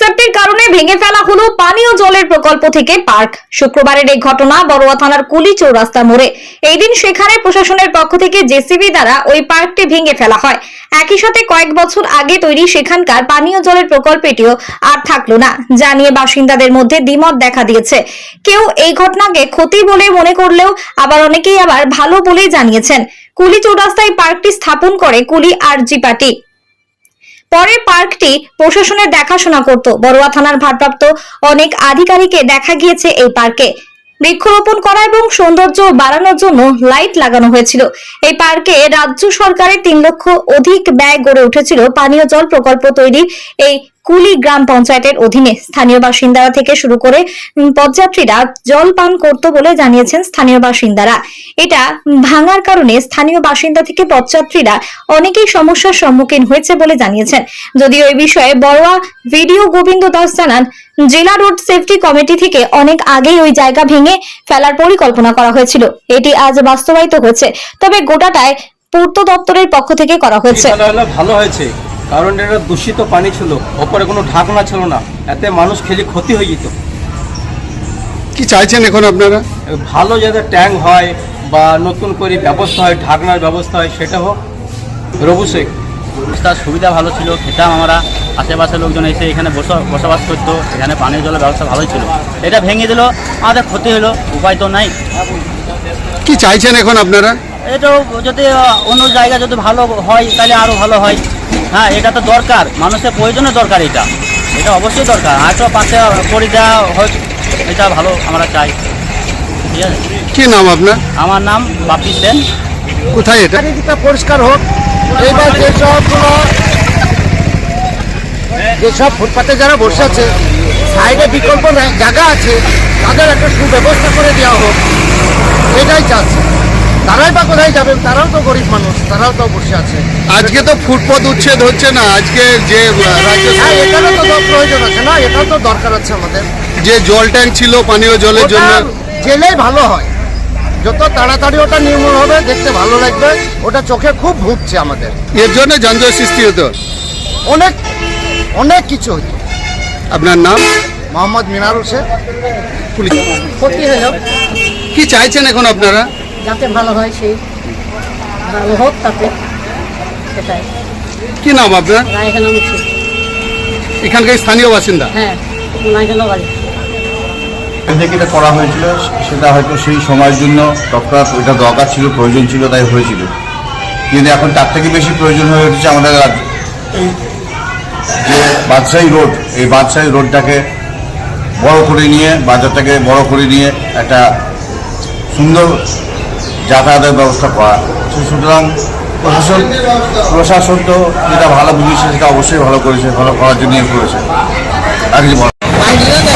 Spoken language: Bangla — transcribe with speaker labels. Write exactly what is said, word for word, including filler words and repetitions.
Speaker 1: সেফটির কারণে ভেঙে ফেলা হলো পানীয় জলের প্রকল্প থেকে পার্ক। শুক্রবারের এই ঘটনা বড়ুয়া থানার কুলি চৌরাস্তা মোড়ে। এই দিন সেখানে প্রশাসনের পক্ষ থেকে জেসিবি দ্বারা ওই পার্কটি ভেঙে ফেলা হয়। একই সাথে কয়েক বছর আগে তৈরি সেখানকার পানীয় জলের প্রকল্পটিও আর থাকলো না, যা নিয়ে বাসিন্দাদের মধ্যে দ্বিমত দেখা দিয়েছে। কেউ এই ঘটনাকে ক্ষতি বলে মনে করলেও আবার অনেকেই আবার ভালো বলেই জানিয়েছেন। কুলি চৌরাস্তায় পার্কটি স্থাপন করে কুলি আরজি পার্টি। পরে পার্কটি প্রশাসনের দেখাশোনা করত। বড়ুয়া থানার ভারপ্রাপ্ত অনেক আধিকারিককে দেখা গিয়েছে এই পার্কে বৃক্ষরোপণ করা এবং সৌন্দর্য বাড়ানোর জন্য লাইট লাগানো হয়েছিল। এই পার্কে রাজ্য সরকারের তিন লক্ষ অধিক ব্যয় গড়ে উঠেছিল পানীয় জল প্রকল্প তৈরির এই কুলি গ্রাম পঞ্চায়েতের অধীনে। স্থানীয় বাসিন্দারা থেকে শুরু করে পদযাত্রীরা জল পান করত বলে জানিয়েছেন স্থানীয় বাসিন্দারা। এটা ভাঙার কারণে স্থানীয় বাসিন্দা থেকে পদযাত্রীরা অনেকেই সমস্যার সম্মুখীন হয়েছে বলে জানিয়েছেন। যদিও এই বিষয়ে বড়ুয়া ভিডিও গোবিন্দ দাস জানান, জেলা রোড সেফটি কমিটি থেকে অনেক আগেই ওই জায়গা ভেঙে ফেলার পরিকল্পনা করা হয়েছিল। এটি আজ বাস্তবায়িত হয়েছে, তবে গোটাটাই পূর্ত দপ্তরের পক্ষ থেকে করা হয়েছে।
Speaker 2: ভালো হয়েছে, কারণ এটা দূষিত পানি ছিল, ওপরে কোনো ঢাকনা ছিল না, এতে মানুষ খেলে ক্ষতি হয়ে যেত।
Speaker 3: কি চাইছেন এখন আপনারা?
Speaker 2: ভালো যাতে ট্যাঙ্ক হয় বা নতুন করে ব্যবস্থা হয়, ঢাকনার ব্যবস্থা হয়, সেটা হোক। রবু শেখ
Speaker 4: তার সুবিধা ভালো ছিল, খেতাম আমরা, আশেপাশের লোকজন এসে এখানে বসবাস করতো, এখানে পানীয় জলের ব্যবস্থা ভালোই ছিল। এটা ভেঙে দিল, আমাদের ক্ষতি হলো, উপায় তো নাই।
Speaker 3: কি চাইছেন এখন আপনারা?
Speaker 4: এটাও যদি অন্য জায়গা যদি ভালো হয় তাহলে আরও ভালো হয়। হ্যাঁ, এটা তো দরকার, মানুষের প্রয়োজনে দরকার, এটা এটা অবশ্যই দরকার। হয়তো পাশে করে দেওয়া হয়, এটা ভালো আমরা চাই। ঠিক আছে।
Speaker 3: কি নাম আপনার?
Speaker 4: আমার নাম বাপি সেন।
Speaker 3: কোথায় এটা?
Speaker 5: চারিদিকটা পরিষ্কার হোক। এইবার যেসবগুলো যেসব ফুটপাতে যারা বসে আছে, সাইডে বিকল্প জায়গা আছে, তাদের একটা সুব্যবস্থা করে দেওয়া হোক, এটাই চাচ্ছে। তারাই বা কোথায় যাবেন? তারাও তো গরিব মানুষ, তারাও তো বসে আছে।
Speaker 3: আজকে তো ফুটপাত উচ্ছেদ হচ্ছে না, আজকে যে রাজ্য
Speaker 5: হ্যাঁ, এটারও তো প্রয়োজন আছে না, এটাও তো দরকার আছে আমাদের।
Speaker 3: যে জল ট্যাঙ্ক ছিল পানীয় জলের জন্য,
Speaker 5: জেলেই ভালো হয়, যত তাড়াতাড়ি ওটা নির্মূল হবে, দেখতে ভালো লাগবে। ওটা চোখে খুব ভুগছে আমাদের,
Speaker 3: এর জন্য যানজট সৃষ্টি হতো,
Speaker 5: অনেক অনেক কিছু হতো।
Speaker 3: আপনার নাম?
Speaker 5: মোহাম্মদ মিনার হোসেন।
Speaker 3: পুলিশ।
Speaker 6: ক্ষতি হলো,
Speaker 3: কি চাইছেন এখন আপনারা?
Speaker 6: যাতে ভালো হয়, সেই ভালো হোক, তাতে সেটাই।
Speaker 3: কি নাম আপনার?
Speaker 6: রায়খানা মুছি।
Speaker 3: এখানকার স্থানীয় বাসিন্দা?
Speaker 6: হ্যাঁ, রায়খানা বাড়ি।
Speaker 7: থেকে এটা করা হয়েছিল, সেটা হয়তো সেই সময়ের জন্য তৎক্ষণাৎ এটা দরকার ছিল, প্রয়োজন ছিল, তাই হয়েছিল। কিন্তু এখন তার থেকে বেশি প্রয়োজন হয়ে উঠেছে আমাদের এই যে বাদশাহী রোড, এই বাদশাহী রোডটাকে বড় করে নিয়ে, বাজারটাকে বড় করে নিয়ে একটা সুন্দর যাতায়াতের ব্যবস্থা করা। সুতরাং প্রশাসন প্রশাসন তো যেটা ভালো বুঝেছে সেটা অবশ্যই ভালো করেছে, ভালো করার জন্যই করেছে। আর কিছু